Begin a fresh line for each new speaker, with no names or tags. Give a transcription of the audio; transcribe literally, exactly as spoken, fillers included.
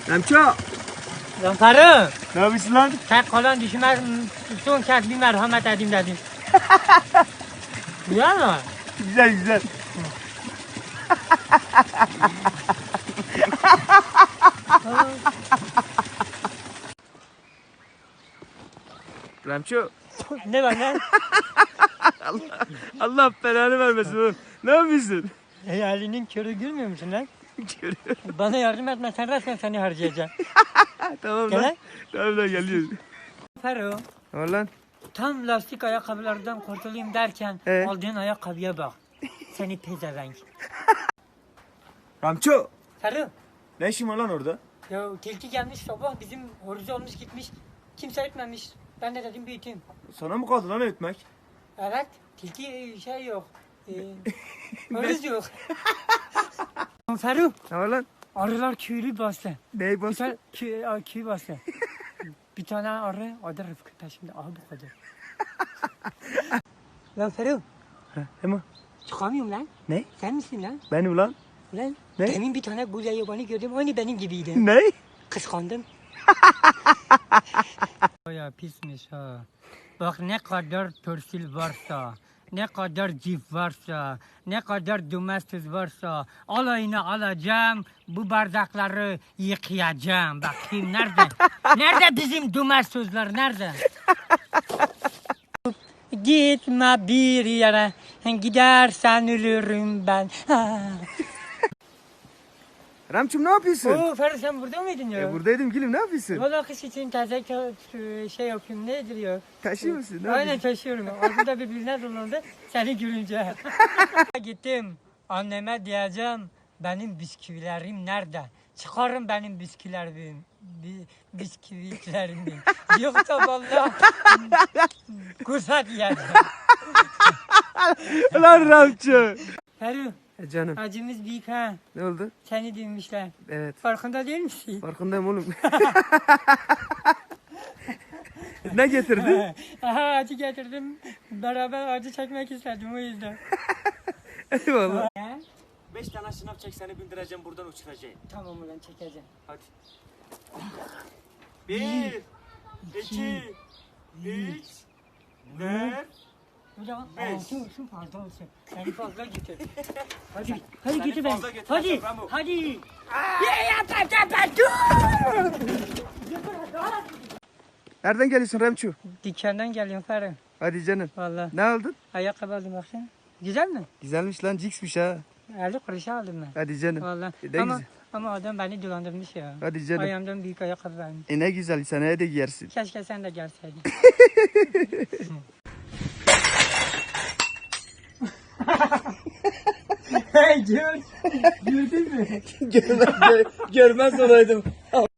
Ramço.
Zaferim.
Ne yapıyorsun lan?
Sen kalan düşmez, son kez bir merhamet edeyim dedim. Güzel mi?
Güzel güzel. Ramço.
Ne var lan?
Allah, Allah belanı vermesin oğlum. Ne yapıyorsun?
Hayalinin körü gülmüyor musun lan?
Görüyorum.
Bana yardım etmezsen resmen seni harcayacağım.
Tamam
Gel
lan.
lan.
Tamam lan geliyoruz.
Fero,
Ne var lan?
tam lastik ayakkabılardan kurtulayım derken
Ee?
aldığın ayakkabıya bak. Seni pezevenk.
Ramço.
Fero,
Ne işin var lan orada?
ya tilki gelmiş sabah bizim horozu olmuş gitmiş. Kimse etmemiş. Ben de dedim büyüteyim.
Sana mı kaldı lan ötmek?
Evet, tilki şey yok. Ee, horoz yok. Fero,
Ne var lan?
arılar köylü bastı.
Neyi
Bir
bastı?
tane köy, a, köy bastı. Bir tane arı, adı Rıfkı peşimde. Aha bu kadar. Lan Ferruh,
Hemen.
çıkamıyorum lan.
Ne?
Sen misin lan?
Benim lan.
Lan,
Ne?
demin bir tane gulya yabani gördüm, aynı benim gibiydi.
Ne?
Kıskandım. Ya pismiş ha. Bak ne kadar torsil varsa, ne kadar cif varsa, ne kadar domestos varsa alayını alacağım, bu bardakları yıkayacağım. Bakayım nerede? Nerede bizim domestoslar, nerede? Gitme bir yere, gidersen ölürüm ben.
Ramçım ne yapıyorsun?
Oo Ferdi sen burada mıydın ya?
E, buradaydım gülüm ne yapıyorsun?
Valla kış için taze şey yapıyorum, nedir ya?
Taşıyor musun? Ne
Aynen
yapıyorsun?
taşıyorum. Ağzımda birbirine dolandı seni görünce. Gittim anneme diyeceğim benim bisküvilerim nerede? Çıkarın benim bisküvilerimi. Bi, bisküvilerimi. Yoksa vallahi kursat yiyeceğim.
Lan Ramço.
Ferruh,
E canım
acımız büyük ha.
ne oldu?
Seni duymuşlar.
Evet
Farkında değil misin?
farkındayım oğlum. Ne getirdin?
Aha acı getirdim. Beraber acı çekmek istedim o yüzden.
Eyvallah.
He?
Beş tane şınav çek seni bindireceğim buradan uçuracağım.
Tamam ulan çekeceğim.
Hadi. Bir, iki, üç, dört.
Hocam
Beş.
altı olsun fazla olsun. Seni fazla getir. Hadi, hadi
Seni
getir ben.
fazla getir,
Hadi,
tamam.
hadi. Ya yap yap yap yap dur.
Nereden geliyorsun Ramço?
Dükkandan geliyorum Ferhan.
Hadi canım.
Valla.
Ne aldın?
Ayakkabı aldım baksana. Güzel mi?
Güzelmiş lan ciksmiş ha.
elli kuruşa aldım ben.
Hadi canım.
Valla.
E, ne
Ama,
güzel.
ama adam beni dolandırmış ya.
Hadi canım.
Ayağımdan büyük ayakkabı vermiş.
E ne güzel seneye de giyersin.
Keşke sen de gelseydin. Hey George. Gördün mü?
Görmez, görmez olaydım.